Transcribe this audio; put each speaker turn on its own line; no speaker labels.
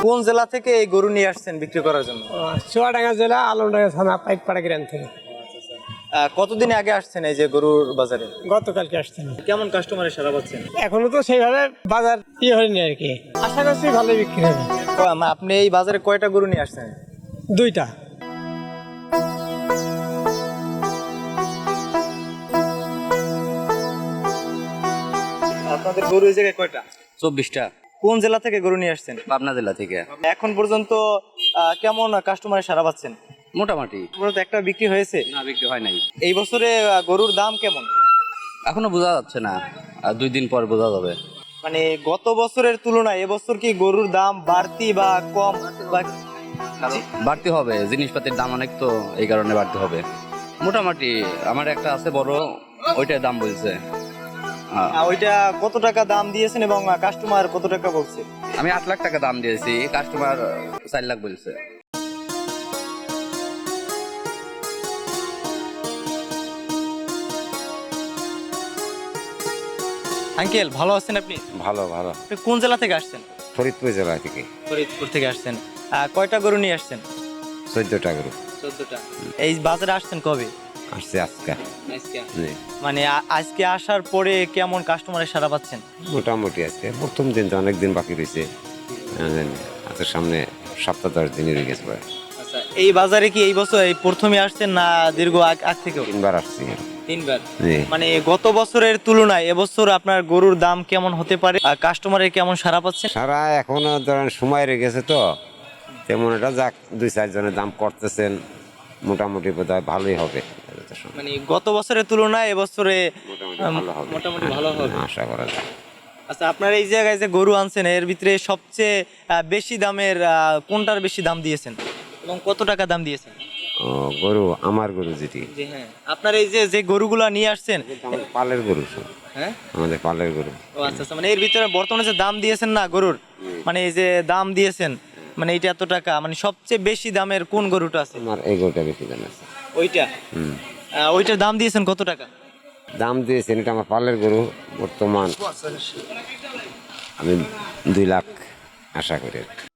কোন জেলা থেকে এই গরু নিয়ে আসছেন বিক্রি করার জন্য?
চুয়াডাঙ্গা জেলা আলমডাঙ্গা থানা পাইকপাড়া গ্রাম থেকে।
কতদিন আগে আসছেন এই যে গরুর বাজারে?
গতকালকে আসছেন।
কেমন কাস্টমারের সাড়া পাচ্ছেন?
এখনো তো সেইভাবে বাজার হয়নি আর কি, আশা করছি ভালো বিক্রি হবে।
আপনি এই বাজারে কয়টা গরু নিয়ে আসছেন?
2টা।
আপনাদের গরু এই জায়গায় কয়টা?
24টা।
কোন জেলা থেকে গরু নিয়ে আসছেন?
পাবনা জেলা থেকে।
এখন পর্যন্ত কেমন কাস্টমারের সাড়া পাচ্ছেন?
মোটামুটি।
মূলত একটা বিক্রি হয়েছে?
না, বিক্রি হয় নাই।
এই বছরে গরুর দাম কেমন?
এখনো বোঝা যাচ্ছে না, আর 2 দিন পর বোঝা যাবে।
মানে গত বছরের তুলনায় এবছর কি গরুর দাম বাড়তি বা কম?
বাড়তি হবে, জিনিসপাতির দাম অনেক, তো এই কারণে বাড়তি হবে। মোটামুটি আমার একটা আছে বড়, ওইটার দাম বলছে।
ওইটা কত টাকা দাম দিয়েছেন এবং কাস্টমার কত টাকা বলছে?
আমি 8 লাখ টাকা দাম দিয়েছি, কাস্টমার 4 লাখ বলছে।
আঙ্কেল ভালো আছেন আপনি?
ভালো ভালো।
আপনি কোন জেলা থেকে আসছেন?
ফরিদপুর জেলা থেকে।
ফরিদপুর থেকে আসছেন। কয়টা গরু নিয়ে আসছেন?
14টা গরু
14টা। এই বাজারে আসছেন কবে?
আসছে আজকে। জি।
মানে আজকে আসার পরে কেমন কাস্টমারের সাড়া পাচ্ছেন?
মোটামুটি আজকে প্রথম দিন তো অনেক দিন বাকি রয়েছে, হাতের সামনে সপ্তাহ 10 দিনই রয়ে গেছে প্রায়।
আচ্ছা, এই বাজারে কি এই বছর এই প্রথমে আসছেন না দীর্ঘ আগ থেকেও?
3বার আসছি।
3বার।
জি।
মানে গত বছরের তুলনায় এবছর আপনার গরুর দাম কেমন হতে পারে? কাস্টমারের কেমন সাড়া পাচ্ছেন?
সারা এখনো ধরেন সময় রয়ে গেছে, তো তেমন এটা যাক 2-4 জনের দাম করতেছেন, মোটামুটি বোধহয় ভালোই হবে।
মানে গত বছরের তুলনায় এবছরে
মোটামুটি
ভালো হবে
আশা করা যায়।
আচ্ছা, আপনার এই জায়গায় যে গরু আনছেন এর ভিতরে সবচেয়ে বেশি দামের কোনটার বেশি দাম দিয়েছেন এবং কত টাকা দাম দিয়েছেন?
ও গরু, আমার গরু যেটি।
জি হ্যাঁ, আপনার এই যে গরুগুলা নিয়ে আসছেন
আমাদের পালের গরু সব।
হ্যাঁ,
আমাদের পালের গরু।
ও আচ্ছা আচ্ছা, মানে এর ভিতরে বর্তমানে যে দাম দিয়েছেন না গরুর, মানে এই যে দাম দিয়েছেন মানে এইটা এত টাকা, মানে সবচেয়ে বেশি দামের কোন গরুটা আছে?
আমার এই গরুটা বেশি দাম আছে।
ওইটা। ওইটার দাম দিয়েছেন কত টাকা?
দাম দিয়েছেন, এটা আমার পালের গরু, বর্তমান আমি 2 লাখ আশা করি।